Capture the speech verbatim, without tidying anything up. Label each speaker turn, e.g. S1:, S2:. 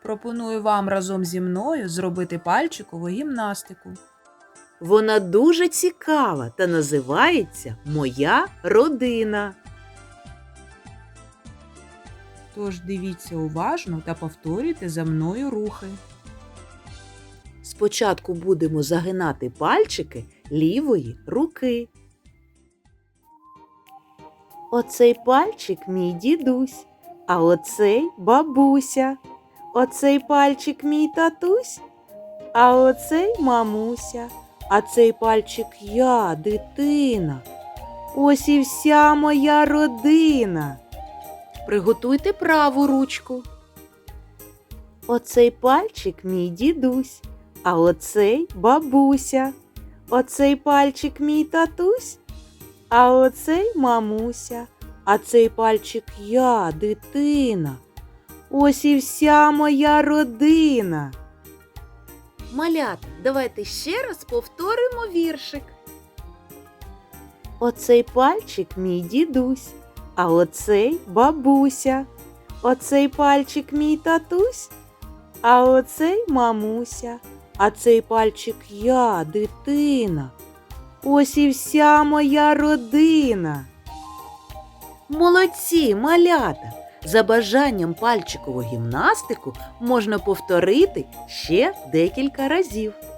S1: пропоную вам разом зі мною зробити пальчикову гімнастику.
S2: Вона дуже цікава та називається «Моя родина».
S1: Тож дивіться уважно та повторюйте за мною рухи.
S2: Спочатку будемо загинати пальчики лівої руки. Оцей пальчик мій дідусь, а оцей бабуся. Оцей пальчик мій татусь, а оцей мамуся. А цей пальчик я, дитина. Ось і вся моя родина. Приготуйте праву ручку. Оцей пальчик мій дідусь, а оцей бабуся. Оцей пальчик мій татусь, а оцей мамуся. А цей пальчик я, дитина. Ось і вся моя родина. Малята, давайте ще раз повторимо віршик. Оцей пальчик мій дідусь, а оцей бабуся. Оцей пальчик мій татусь, а оцей мамуся. А цей пальчик я, дитина. Ось і вся моя родина. Молодці, малята! За бажанням пальчикову гімнастику можна повторити ще декілька разів.